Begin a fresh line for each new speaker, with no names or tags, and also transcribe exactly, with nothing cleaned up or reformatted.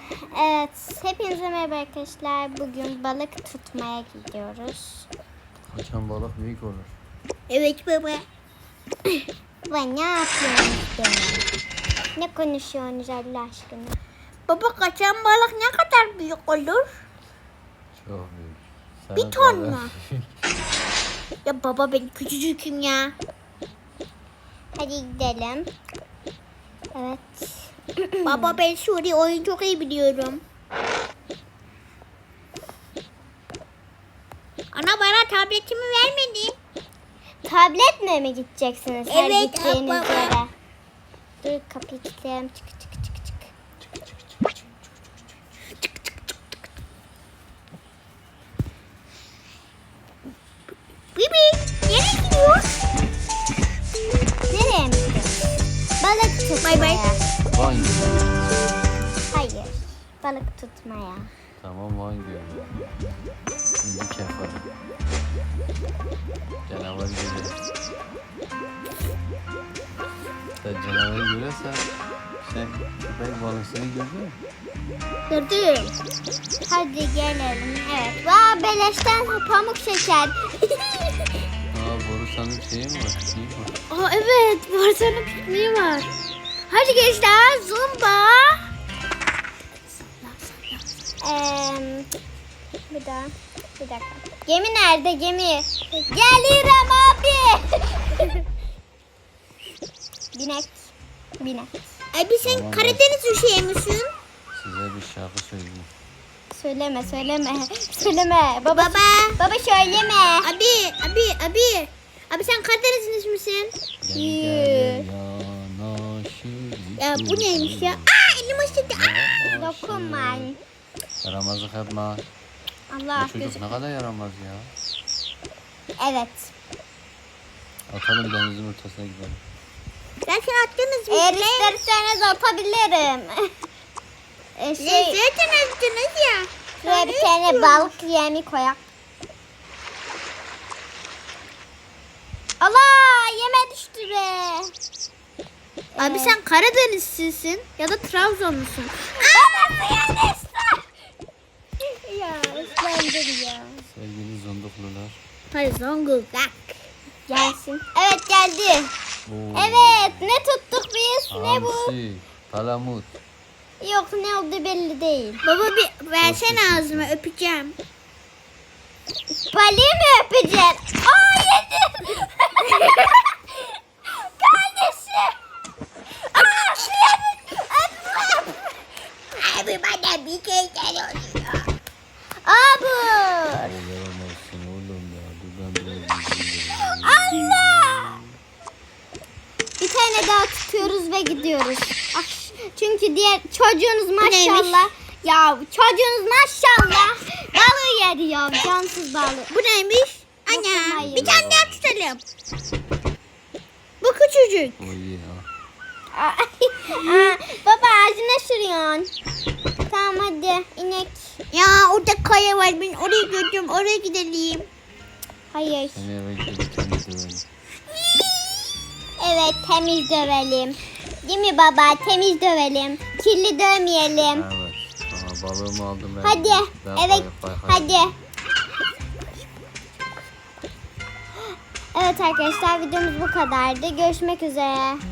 Evet, hepinize merhaba arkadaşlar. Bugün balık tutmaya gidiyoruz.
Kaçan balık büyük olur.
Evet baba.
Baba ne yapıyorsunuz benim? Ne konuşuyorsunuz Allah aşkına?
Baba kaçan balık ne kadar büyük olur?
Çok büyük. Sana
Bir ton
kadar-
mu? Ya baba ben küçücüküm ya.
Hadi gidelim. Evet.
Baba ben Suri oyun çok iyi biliyorum. Ana bana tabletimi vermedi.
Tabletle mi gideceksiniz her
Evet,
gittiğiniz
baba.
yere? Dur kapıyı kilitleyelim. Çık çık çık çık.
Bibi nereye gidiyor?
Nereye mi gidiyoruz? Balık tutmaya.
Bay bay.
Van Gölü.
Hayır. Balık tutmaya.
Tamam Van Gölü. Şimdi kefa. Canavar görüyor. Sen canavarı görürsen sen köpek balığını gördün mü?
Gördüm.
Hadi gelelim. Evet. Vaa beleşten pamuk şeker.
Aa Borusan'ın şeyi mi var? Şeyi mi var?
Aa evet Barcelona pikniği var. Hadi gençler zumba.
Eee bir daha. Bir dakika. Gemi nerede gemi? Gelirim abi. Binek. Binek.
Abi sen
Tamam,
Karadeniz üşüyor musun?
Size bir şarkı söyleyeyim.
Söyleme söyleme. Söyleme. Baba.
Baba.
Baba söyleme.
Abi abi abi. Abi sen Karadenizli misin?
Gel
Yürü.
gel yanaşır.
Ya bu neymiş ya? Aa elim ısıttı. Aa.
Dokunma.
Yaramazlık yapma.
Allah
Bu çocuk
gözü.
ne kadar yaramaz ya.
Evet.
Atalım denizin ortasına gidelim.
Zaten attınız mı?
Eğer isterseniz atabilirim. e
Ne
şey,
zaten attınız ya.
şuraya bir tane balık yemi koyak. Allah yeme düştü be.
Abi sen Karadenizlisin ya da Trabzonlusun.
Baba suya düştü. Ya ıslandır ya.
Sevgili zonduklular.
Hayır Zonguldak.
Gelsin. Evet geldi.
Oo.
Evet ne tuttuk biz? Ne bu?
Hamsi, palamut.
Yok ne oldu belli değil.
Baba bir versene ağzıma öpeceğim.
Balığı mı öpeceksin? Aa yedim. Kardeşim. Aa yedim.
Abi bana bir kere oluyor.
Abi.
Oo, yaramazsın oğlum ya. Dur ben biraz yüzeyim.
Allah. Bir tane daha tutuyoruz ve gidiyoruz. Ah, çünkü diğer çocuğunuz maşallah. Ya çocuğunuz maşallah balığı yedi ya cansız balığı.
Bu neymiş?
Dokunmayın.
Ana bir tane daha tutalım. Bu küçücük.
O iyi ya.
Aa, aa, baba ağzına sürüyorsun. Tamam hadi inek.
Ya orada kaya var ben oraya götürüyorum oraya gidelim.
Hayır.
Seni eve gidip kendi dövelim.
Evet temiz dövelim. Değil mi baba? Temiz dövelim. Kirli dövmeyelim.
Evet. Aha, balığımı aldım ben.
Hadi.
Ben
Evet.
bay- bay-
Hadi. Evet arkadaşlar videomuz bu kadardı. Görüşmek üzere.